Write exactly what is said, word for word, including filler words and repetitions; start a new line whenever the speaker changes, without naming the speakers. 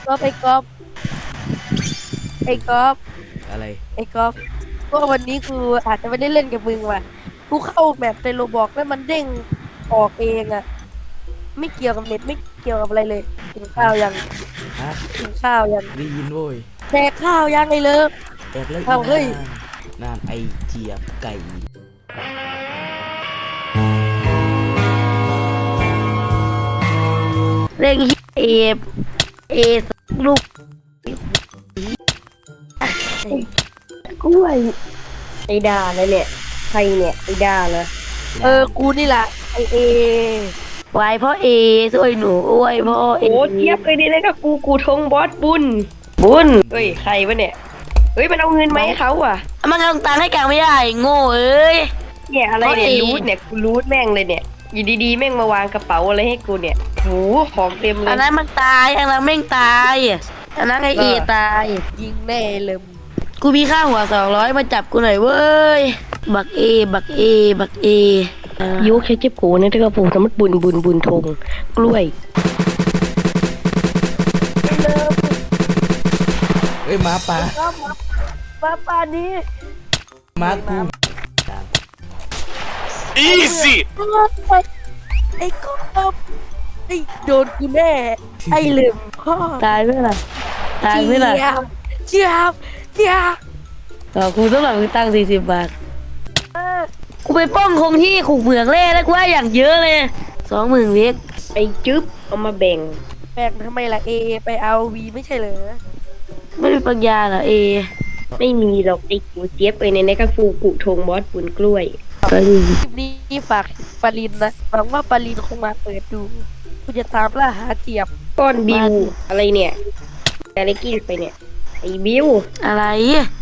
ก๊อฟไอ้ก๊อฟไอ้ก๊อฟ
อะไร
ไอ้ก๊อฟก็วันนี้กูอาจจะไม่ได้เล่นกับมึงว่ะกูเข้าแมปในโรบอกแล้วมันเด้งออกเองอ่ะไม่เกี่ยวกับเน็ตไม่เกี่ยวกับอะไรเลยกินข้า
ฮะ
วยัง
ฮะ
กินข้าวยัง
ได้ยินโว้ย
แดกข้าวยังไงเลิฟ
แอกแล้วอี
เอาเฮ้ย
นางนานไอเจียบไก่
เร่งเอฟเอสลูกกล้วยไอ้ด่าเลยเนี่ยใครเนี่ยไอ้ด่าเลยเออกูนี่แหละไอเอไว้พ่อเอสวยหนูอวยพ่อเอ
โอ้เทียบเลยนี่นะก็กูกูทงบอสบุญบุญเฮ้ยใครวะเนี่ยเฮ้ยมันเอาเงินมาให้เขาอ่ะ
มันกำลังตังให้กลางไม่ได้โง่เอ้ย
เนี่ยอะไรเนี่ย
เพราะเอง
รูทเนี่ยกูรูทแม่งเลยเนี่ยอยู่ดีๆแม่งมาวางกระเป๋าอะไรให้กูเนี่ยโหของเต็มเล
อัน
ย
นั้นมันตายอันนั้นแม่งตายอันนั้นไอเอ
เออ
ตายยิงแน่เลยกูมีค่าหัวสองร้อยมาจับกูหน่อยเว้ยบักเอบักเอบักเอ
ยุแค่เจ็บกูเนี่ยถ้าก็ปูสมมติบุญบุญบุญทงกล้วย
เอ้ยหมาป่า
มาป่านี้
หมากูตาม
Easy!
ไอ้กบไอ้โดนกูแน่ไอ้ลืมพ่อ
ตายไหมล่ะตายไหมล่ะ
เจียบเจียบ
ต่อกูต้องหลังตังสี่สิบบาท
กูไปป้องคงที่ขู่เหมืองแร่แล้วกูว่าอย่างเยอะเลยสองหมื่นเล็ก
ไปจึ๊บเอามาแบ่ง
แบ่งทำไมล่ะเอไปเอาวีไม่ใช่เหรอไม่มีปัญญาเหรอเอ
ไม่มีหรอกไอ้กูเจี๊ยบเอ้ยในนี้ก็ฟูกุทงบอสบุญกล้วย
คลิปนี้ฝากปารินนะหวังว่าปารินคงมาเปิดดูกูจะตามล่าหาเจียบ
ก้อนบิวอะไรเนี่ยอะไรกินไปเนี่ยไอ้บิว
อะไร